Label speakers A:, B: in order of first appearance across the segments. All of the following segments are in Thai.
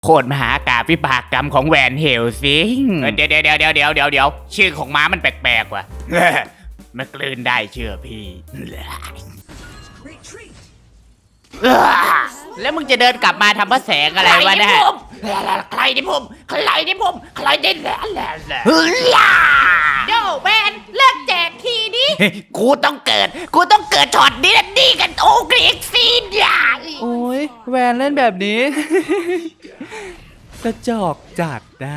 A: โคตรมหากาพย์วิบากกรรมของแวนเฮลซิงเดี๋ยวชื่อของม้ามันแปลกๆว่ะ มันกลืนได้เชื่อพี่ แล้วมึงจะเดินกลับมาทำพระแสงอะไรวะเนี่ยใครที่ผมโย่แวนเลิกแจกทีนี้ กูต้องเกิดช็อตนี้นะดีกันโอ้กรีกซีนอย่า
B: โอ้ยแวนเล่นแบบนี้ กระจอกจัดได้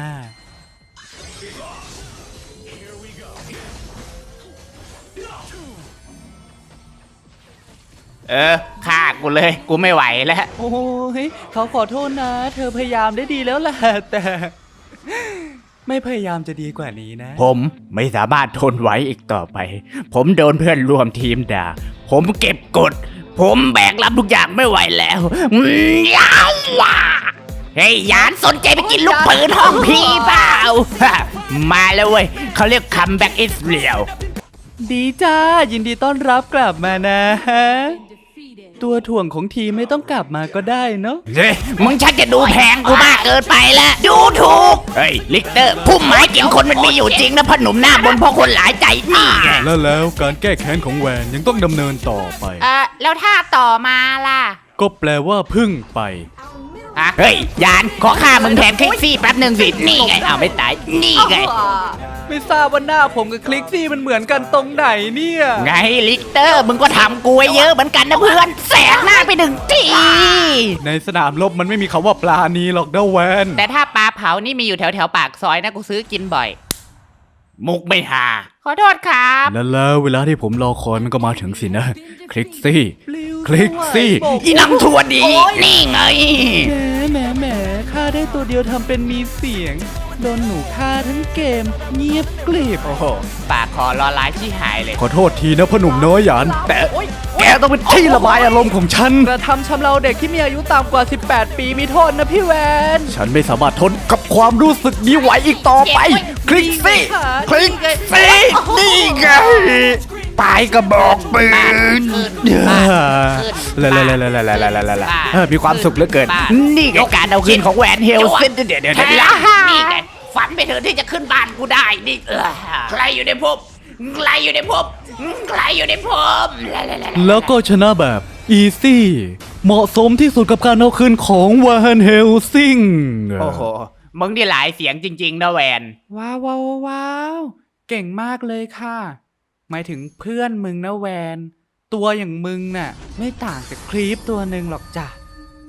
A: ฆ่ากูเลยกูไม่ไหวแล้ว
B: โอ้ยเขาขอโทษนะ เธอพยายามได้ดีแล้วแหละแต่ ไม่พยายามจะดีกว่านี้นะ
A: ผมไม่สามารถทนไหวอีกต่อไป ผมโดนเพื่อนร่วมทีมด่า ผมเก็บกด ผมแบกรับทุกอย่างไม่ไหวแล้วเฮ้ยยานสนใจไปกินลูกปืนห้องพี่เปล่า มาแล้วเว้ยเขาเรียกคัมแบ็กอิสเรียล
B: ดีจ้า ยินดีต้อนรับกลับมานะ ตัวถ่วงของทีมไม่ต้องกลับมาก็ได้เนาะ
A: เฮ้ยมึงชักจะดูแพงกูมากเกินไปแล้วดูถูกเฮ้ยลิกเตอร์พุ่มไม้กินคนมันมีอยู่จริงนะพ่อหนุ่มหน้าบนพ่อคนหลายใจนี่ไง
C: แล้วการแก้แค้นของแวนยังต้องดำเนินต่อไป
A: แล้วถ้าต่อมาล่ะ
C: ก็แปลว่าพึ่งไป
A: เฮ้ยยานขอฆ่ามึงแทนคลิกซี่แป๊บหนึ่งสินี่ไงเอาไม่ตายนี่ไง
B: ไม่ทราบว่าหน้าผมกับคลิกซี่มันเหมือนกันตรงไหนเนี่ย
A: ไงลิกเตอร์มึงก็ทำกูไว้เยอะเหมือนกันนะเพื่อนแสกหน้าไปหนึ่งที
C: ในสนามรบมันไม่มีคำว่าปลาณีหรอกนะแวน
A: แต่ถ้าปลาเผานี่มีอยู่แถวปากซอยนะกูซื้อกินบ่อย มุกไม่หาขอโทษครับ
C: แล้วเวลาที่ผมรอคอยมันก็มาถึงสินะ คลิกซี่ คลิกซี่
A: อีนังทัวดีนี่ไง
B: แหมฆ่าได้ตัวเดียวทำเป็นมีเสียง โดนหนูฆ่าทั้งเกม เงียบกริบ
A: โอ้โหปากคอรอร้ายชี้หายเลย
C: ขอโทษทีนะพ่อหนุ่มน้อยหยานแต่แกต้องเป็นที่ระบายอารมณ์ของฉัน
B: กระทำชำเราเด็กที่มีอายุต่ำกว่า 18 ปีมีโทษนะพี่แวน
C: ฉันไม่สามารถทนกับความรู้สึกนี้ไหวอีกต่อไป คลิกซี่ คลิกซี่ นี่ไงปลายกระบอกปืนมีความสุขเหลือเกิน
A: นี่ไงการเอาคืนของแวนเฮลซินเดี๋ยวนี่ไงฝันไปเถอะที่จะขึ้นบ้านกูได้นี่ใครอยู่ในภพ
C: แล้วก็ชนะแบบอีซี่เหมาะสมที่สุดกับการเอาคืนของวานเฮลซิง
A: โอ้โหมึงนี่หลายเสียงจริงๆนะแวน
B: ว้าว เก่งมากเลยค่ะ หมายถึงเพื่อนมึงนะแวน ตัวอย่างมึงน่ะ ไม่ต่างจากครีปตัวหนึ่งหรอกจ้ะ